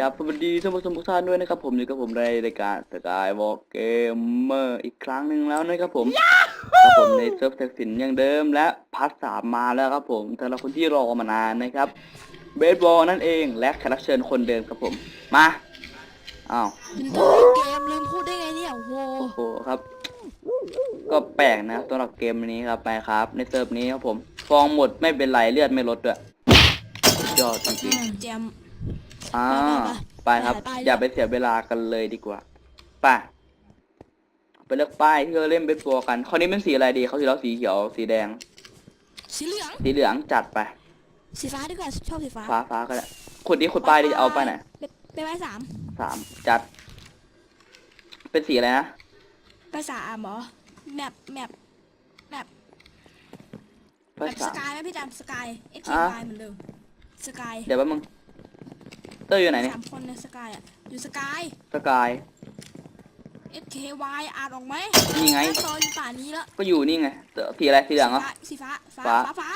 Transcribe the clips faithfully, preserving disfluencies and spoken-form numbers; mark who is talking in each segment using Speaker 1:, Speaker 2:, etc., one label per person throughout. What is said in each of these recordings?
Speaker 1: ครับสวัสดีท่านผู้ชมทุกท่านด้วยนะครับผมอยู่กับผมในรายการสกายวอล์กเกมเมอร์อีกครั้งหนึ่งแล้วนะครับผมครับผมในเซิร์ฟแท็กสินอย่างเดิมและพาร์ทสามมาแล้วครับผมสำหรับคนที่รอมานานนะครับเบสบอลนั่นเองและแขกรับเชิญคนเดิมครับผมมาอ้าว
Speaker 2: เป็นตัวเล่นเกมลืมพูดได้ไงเนี่ยโอ้โห
Speaker 1: โอ้โหครับก็แปลกนะสำหรับเกมนี้ครับไปครับในเซิร์ฟนี้ครับผมฟองหมดไม่เป็นไรเลือดไม่ลดด้วยสุดยอดจริง
Speaker 2: ๆแจม
Speaker 1: ๆอ่าไปครับอย่าไปเสียเวลากันเลยดีกว่าไปไปเลือกป้ายที่เราเล่นเบสบอลกันคราวนี้เป็นสีอะไรดีเขาสีแล้วสีเขียวสีแดง
Speaker 2: สีเหลือง
Speaker 1: สีเหลืองจัดไป
Speaker 2: สีฟ้าดีกว่าชอบสีฟ้า
Speaker 1: ฟ้าฟ้าก็ได้ขุดนี้ขุดป้ายดิเอาไปไหน
Speaker 2: ไปไปสาม
Speaker 1: สามจัดเป็นสีอะไรนะ
Speaker 2: ไปสามเหรอแมปแมปแมปแมปสกายไหมพี่จำสกายเอ็กซ์เคเหมือนเดิมสกาย
Speaker 1: เดี๋ยวแป๊บมึงเตอร์อยู่ไหนเนี่ย
Speaker 2: สามคนในสกายอ่ะอยู่สกาย
Speaker 1: สกาย
Speaker 2: เอส เค วาย อ่านออกไหม
Speaker 1: นี่ไง
Speaker 2: ตอนป่านี้แล้ว
Speaker 1: ก็อยู่นี่ไงสีอะไรสีเหลืองเหรอ
Speaker 2: สีฟ้าฟ้าฟ้าฟ้า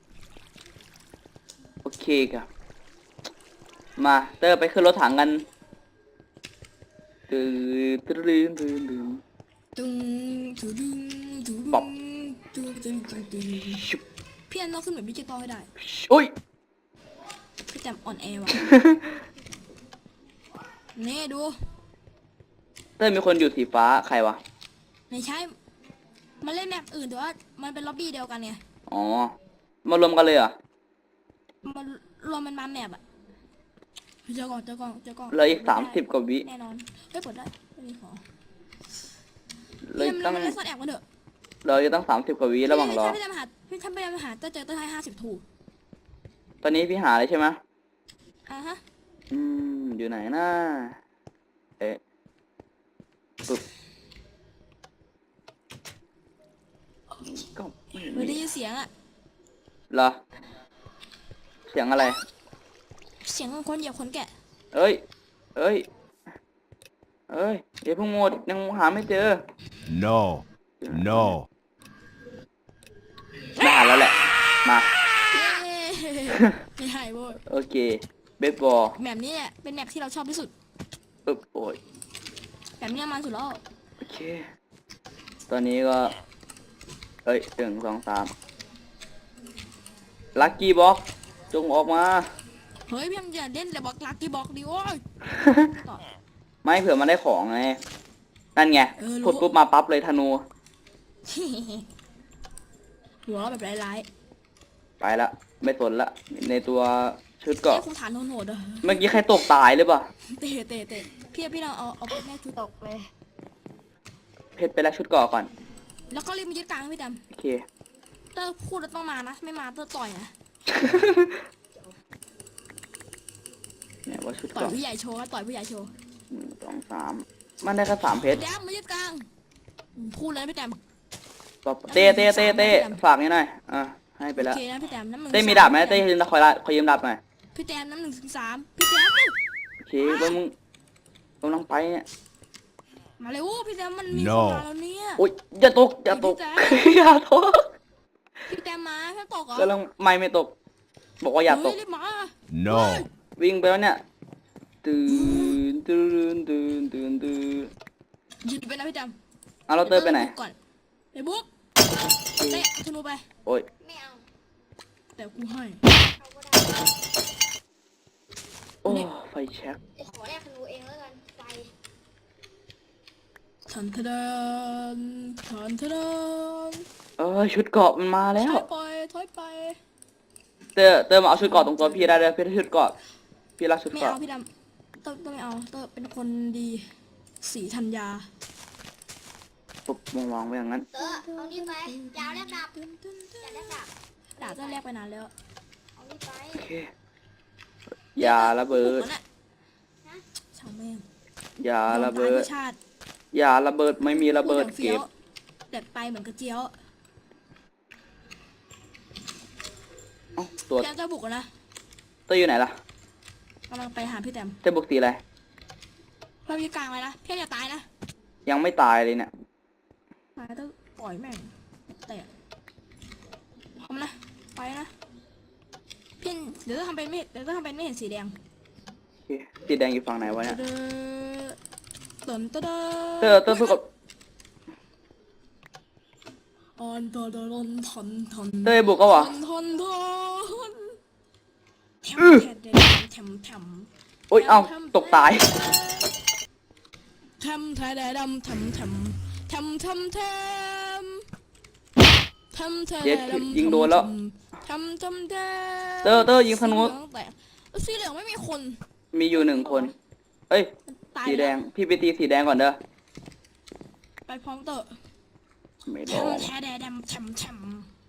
Speaker 1: โอเคครับมาเตอร์ไปขึ้นรถถังกันตื่นตื่นตื่นตื่น
Speaker 2: ตึงตึงตึงตึง
Speaker 1: ป๊อป
Speaker 2: ตึงตึงตึงตึงพี่อันเราขึ้นแบบดิจิตอลให้ได้
Speaker 1: อุ้ย
Speaker 2: พี่จำอ่อนแอว่ะนี่ดู
Speaker 1: เตอร์มีคนอยู่สีฟ้าใครวะ
Speaker 2: ไม่ใช่มันเล่นแมปอื่นแต่ว่ามันเป็นล็อบบี้เดียวกันไง
Speaker 1: อ๋อมารวมกันเลยเหรอ
Speaker 2: มันรวมมันมาแมปอะเจอก่อนเจอก่อนเจอก่อน
Speaker 1: เลยอีกสามสิบกว่าวิ
Speaker 2: แน่นอนเฮ้ยเปิดได้ไม่มีของ
Speaker 1: เลยตั้ง
Speaker 2: มันเล่นซ่อนแอบกันเถอะ
Speaker 1: เราจะตั้งสามสิบกว่าวิระหว่างรอ
Speaker 2: พี่จะมาหาพี่ทำไปมาหาเจอเจอเจอให้ห้าสิบถูก
Speaker 1: ตอนนี้พี่หาเลยใช่ไหม
Speaker 2: อ่าฮะ
Speaker 1: อืมอยู่ไหนนะเอ๊ะปึ๊บก็
Speaker 2: ไม่ได้ยินเสียงอะ
Speaker 1: เหรอเสียงอะไร
Speaker 2: เสียงของคนเหยียบคนแก่
Speaker 1: เอ้ยเอ้ยเอ้ยเดี๋ยวพวกโมดยังหาไม่เจอ
Speaker 3: no no
Speaker 1: ได้แล้วแหละมา
Speaker 2: ไม่หายโว้ย
Speaker 1: โอเคเบสบอล
Speaker 2: แมปนี้เนี่ยเป็นแมปที่เราชอบที่สุด
Speaker 1: ปึ๊บโอ้ย
Speaker 2: แบบนี้มันสุดแล้ว
Speaker 1: โอเคตอนนี้ก็เอ้ยหนึ่งสองสามลัคกี้บ็อกจงออกมา
Speaker 2: เฮ้ยพี่อย่าเล่นแต่บอกลัคกี้บ็อกดิโอ้ย
Speaker 1: ไม่เผื่อมันได้ของไงนั่นไงกดปุ๊บมาปั๊บเลยธนู
Speaker 2: หัวแบบร้าย
Speaker 1: ๆไปละไม่สนละในตัวชุดเกาะ
Speaker 2: คงฐานโหดๆ
Speaker 1: เมื่อกี้ใครตกตายหรือเปล่า
Speaker 2: เตะเตะเตะพี่พี่เราเอาเอาเพชรแม่ชุดตกเลย
Speaker 1: เพชรไปแล้วชุดเกาะก่อน
Speaker 2: แล้วก็รีบมายึดกลางพี่ดำ
Speaker 1: โอเค
Speaker 2: เตอร์พูดแล้วต้องมานะไม่มาเตอร์ต่อยนะ
Speaker 1: เนี่ยว่าชุด
Speaker 2: ต่อยผู้ใหญ่โชว์ต่อยผู้ใหญ่โชว์
Speaker 1: หนึ่งสองสามมันได้แค่สามเพชร
Speaker 2: แดมมายึดกลางพูดเลยพี่แดม
Speaker 1: เต้เต้เต้เต้ฝากนี่หน่อยอ่ะให้ไปแล้ว
Speaker 2: โอเคนะพี่แดมน้ำหนึ่ง
Speaker 1: เต้มีดาบไหมเต้ยืมคอยละคอยยืมดาบหน่อย
Speaker 2: พี่แดมน้ำหนึ่งถึงสามพี่แดม
Speaker 1: โอเคแล้วมึงกำลังไปเนี่ย
Speaker 2: มาเลยโอ้พี่แดมมันมีคนมาแล้วเนี่ย
Speaker 1: โอ้ยอย่าตกอย่าตกอย่าตก
Speaker 2: พี่แดมมาถ้าตกเหรอก
Speaker 1: ำลังไม่ไม่ตกบอกว่าอย่าตก
Speaker 3: no
Speaker 1: วิ่งไปแล้วเนี่ยตื่นตื่นตื่นตื่นตื่น
Speaker 2: หยุดไปนะพี่แดม
Speaker 1: เอาเราเติมไปไหน
Speaker 2: ก่อนไปบุ๊กเตะธนูไป
Speaker 1: โอ้ย
Speaker 2: ไม่เอาแต่กูให้
Speaker 1: โอ้ไฟแช็ก
Speaker 4: ขอแรกธนูเองแล้วกันไฟ
Speaker 2: ทันทดานทันทดาน
Speaker 1: เออชุดเกราะมันมาแล้ว
Speaker 2: ถอยไปถอยไป
Speaker 1: เตอร์เตอร์มาเอาชุดเกราะตรงตัวพี่ได้เลยพี่ได้ชุดเกราะพี่รักชุดเกราะ
Speaker 2: ไม่เอาพี่ดำเตอร์ต้องไม่เอาเตอร์เป็นคนดีสีธัญญา
Speaker 1: ปุ๊บวางวางไว้อย่างนั้น
Speaker 4: เตอร์เอานี่ไปยาวแลกดาบยาวแลกดาบ
Speaker 2: ดาบเตอร์แลกไปนานแล้ว
Speaker 4: เอานี่ไป
Speaker 1: โอเคยาระเบิด
Speaker 2: ช่างแม่ง
Speaker 1: ยาระเบิดยาระเบิดไม่มีระเบิดเก็บ
Speaker 2: แต่ไปเหมือนกระเจียว
Speaker 1: อ๋อตัว
Speaker 2: แกจะบุกนะ
Speaker 1: ตัวอยู่ไหนล่ะ
Speaker 2: กำลังไปหาพี่แต้ม
Speaker 1: จะบุกตีอะไร
Speaker 2: เพื่อนพี่กลางเลยนะพี่อย่าตายนะ
Speaker 1: ยังไม่ตายเลยเนี่ย
Speaker 2: ตายต้องปล่อยแม่งแต่พร้อมนะไปนะพี่เดี๋ยวต้องทำเป็นไม่เดี๋ยวต้องทำเป็นไม่เห็นสีแดง
Speaker 1: เคสีแดงอยู่ฝั่งไหนวะเนี่ย
Speaker 2: เติมเติม
Speaker 1: เตอร์เตอร์สู้กับ
Speaker 2: ออนตอนตอนทอนทอน
Speaker 1: เตอร์บุกก็วะ
Speaker 2: ทอนทอนทอนแถม
Speaker 1: อื้อ
Speaker 2: แถมแถมแถม
Speaker 1: โอ้ยเอ้าตกตาย
Speaker 2: แถมแถมแถมแถมแถมแถมแถมแถมแถมแถม
Speaker 1: เจ็ดยิงโดนแล้ว
Speaker 2: แถมแถมแถม
Speaker 1: เตอร์เตอร์ยิงธนู
Speaker 2: สีเหลืองไม่มีคน
Speaker 1: มีอยู่หนึ่งคน เอ้ย
Speaker 2: ตาย
Speaker 1: สีแดง
Speaker 2: ล้ว
Speaker 1: พี่ไปตีสีแดงก่อนเด้อ
Speaker 2: ไปพร้อมเตอะ
Speaker 1: ไม่
Speaker 2: แถ
Speaker 1: รอ
Speaker 2: ม
Speaker 1: ด
Speaker 2: แถมแถมแถมแถม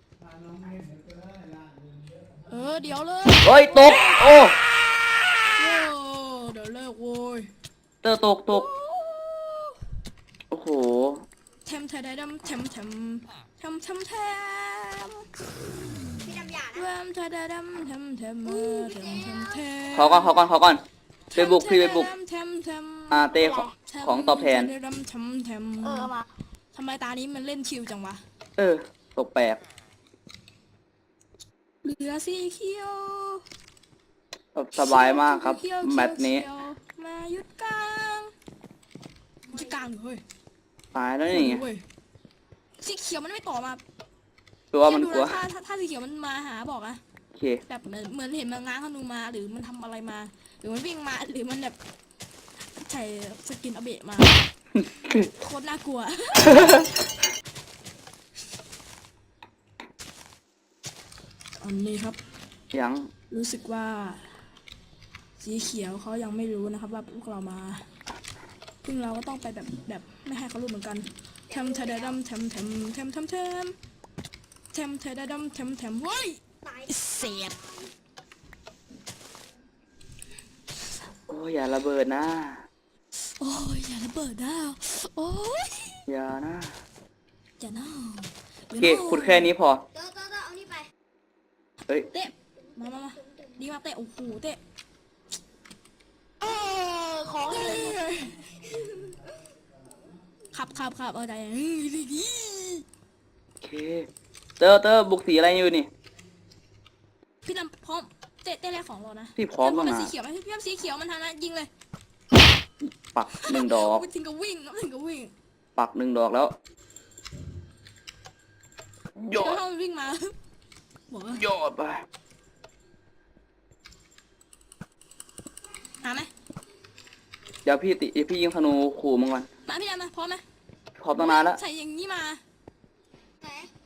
Speaker 2: เออเดี๋ยวเลย
Speaker 1: เฮ้ยตก โอ้
Speaker 2: โอ้เดี๋ยวเลิกโว้ย
Speaker 1: เตอร์ตกตก โอ้โห
Speaker 2: แถมแถมแถมแถมแถมแถมแถมแถม
Speaker 4: พี่ดำหยา
Speaker 2: แถ
Speaker 4: นะ
Speaker 2: มแถมแถมแถมแถมแถมแถมแถมแถม
Speaker 1: เขาก่อนเขาก่อนเขาก่อนไปบุกพี่ไปบุก
Speaker 2: แถมแถม
Speaker 1: อ่าเต้ของของตอบแทน
Speaker 2: แถมแถมแถม
Speaker 4: เออเอามา
Speaker 2: ทำไมตานี้มันเล่นชิวจังวะ
Speaker 1: เออ ตกแปลก
Speaker 2: เหลือสีเขียว
Speaker 1: แบบสบายมากครับ
Speaker 2: เขียว
Speaker 1: แมตช์นี้
Speaker 2: เขียวมาหยุดกลางจะกลางเหรอเฮ้ย
Speaker 1: ตายแล้วนี่ไง
Speaker 2: เว้ยสีเขียวมันไม่ต่อมา
Speaker 1: ตัวมันกลัว
Speaker 2: ถ้าถ้าถ้าสีเขียวมันมาหาบอกอะ
Speaker 1: โอเค
Speaker 2: แบบเหมือนเหมือนเห็นมันง้างธนูมาหรือมันทำอะไรมา หรือมันวิ่งมาหรือมันแบบใส่สกินอเบะมา โคตรน่ากลัว อันนี้ครับ
Speaker 1: ยัง
Speaker 2: รู้สึกว่า สีเขียวเขายังไม่รู้นะครับว่าพวกเรามาซึ่งเราก็ต้องไปแบบแบบไม่ให้เขารู้เหมือนกันแทมเทเดดัมแทมแทมแทมแทมแทมแทมเทเดดัมแทมแทมเฮ้ย
Speaker 4: ตาย
Speaker 2: เสียด
Speaker 1: โอ้ยอย่าระเบิดนะ
Speaker 2: โอ้ยอย่าระเบิดนะโอ้ย
Speaker 1: อย่านะ
Speaker 2: อย่าน่า
Speaker 1: โอเคขุดแค่นี้พอ
Speaker 4: เตอร์เตอร์เตอร์เอานี่ไป
Speaker 1: เฮ้ย
Speaker 2: เตะมามามาดีมากเตะโอ้โหเตะ
Speaker 4: เออของเลย
Speaker 2: ขับขับขับเอาใจเฮ้ยดีดี
Speaker 1: โอเค เตอร์เตอร์บุกสีอะไรอยู่นี่
Speaker 2: พี่ดำพร้อมเตะเตะแรกของเรานะ
Speaker 1: พี่พร้อม
Speaker 2: พี่
Speaker 1: ตั้ง
Speaker 2: ดำ
Speaker 1: นาน
Speaker 2: สีเขียวไหมพี่ดำสีเขียวมันทันนะยิงเลย
Speaker 1: ปักหนึ่งดอก
Speaker 2: ไปถึงกับวิ่งนะถึงกับวิ่ง
Speaker 1: ปักหนึ่งดอกแล้วโย
Speaker 2: แล้ว
Speaker 1: ด
Speaker 2: ถ้ามันวิ่งมา บอกว่า
Speaker 1: โยดไป
Speaker 2: หาไหม
Speaker 1: เดี๋ยวพี่ติเดี๋ยวพี่ยิงธนูขู่มึงก่อน
Speaker 2: มาพี่ดำมาพร้อมไหม
Speaker 1: พร้อมตั้งนานแล้ว
Speaker 2: ใส่อย่างนี้มา
Speaker 4: ไหน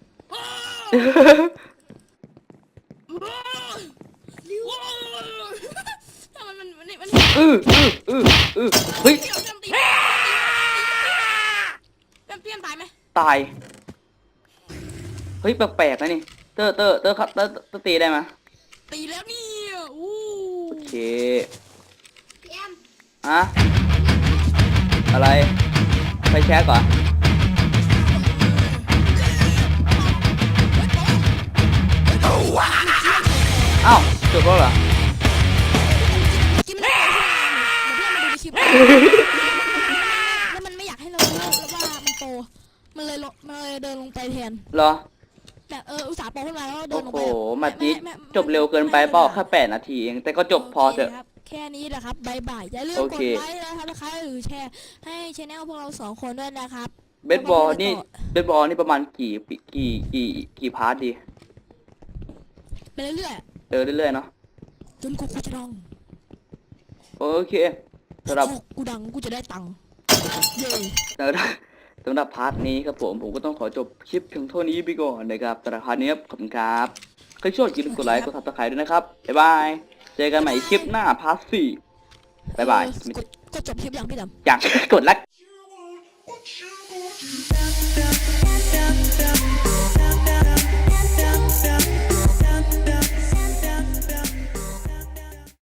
Speaker 2: ถ้ามันมันมันมัน
Speaker 1: อืออืออืออือเฮ้ย
Speaker 2: พี่ดำตีพี่ดำพี่ดำตายไหม
Speaker 1: ตาย เฮ้ย แปลกๆนะนี่ เตอร์เตอร์เตอร์ครับเตอร์เตอร์ตีได้ไหม
Speaker 2: ตีแล้วนี่อู้
Speaker 1: โอเค
Speaker 4: พี่แอม
Speaker 1: อะ อะไร ไปแช็กก่อนอ้าวจบแล้วเหรอ
Speaker 2: กินมันได้เดี๋ยวพี่ดำมาดูในคลิปแล้วมันไม่อยากให้เรารู้แล้วว่ามันโตมันเลยลงมันเลยเดินลงไปแทน
Speaker 1: เหรอ
Speaker 2: แบบเอออุตส่าห์โตขึ้นมาแล้วเดิ
Speaker 1: โอ้
Speaker 2: นลง
Speaker 1: โห
Speaker 2: ไป
Speaker 1: แมตช์นี้จบเร็วเกินไปเปล่าแค่แปดนาทีเอง แต่ก็จบพอเถอะ
Speaker 2: โคครับแค่นี้แหละครับบายบายอย่าลืม
Speaker 1: โอก เค
Speaker 2: ดไลค์นะครับนะคะหรือแชร์ให้ช anel พวกเราสองคนด้วยนะครับ
Speaker 1: เบสบอลนี่ เบสบอลนี่ประมาณกี่ปีกี่กี่กี่พาร์ทดี
Speaker 2: ไปเรื่อย
Speaker 1: เออเรื่อยๆเนาะ
Speaker 2: ๆจนกูกูจะดัง
Speaker 1: โอเคสำหรับ
Speaker 2: กูดังกูจะได้ตังค์เย้
Speaker 1: สำหรับสำหรับพาร์ทนี้ครับผม ผมก็ต้องขอจบคลิปเพียงเท่านี้ไปก่อนนะครับสำหรับพาร์ทนี้ครับขอบคุณครับใครชอบอย่าลืมกดไลค์กดซับสไครต์ด้วยนะครับ บ๊ายบาย เจอกันใหม่คลิปหน้าพาร์ทสี่บ๊ายบาย
Speaker 2: เออกดกดจบคลิปอย่างพี่ดำ
Speaker 1: อย่างกดไลค์
Speaker 4: What you gonna do?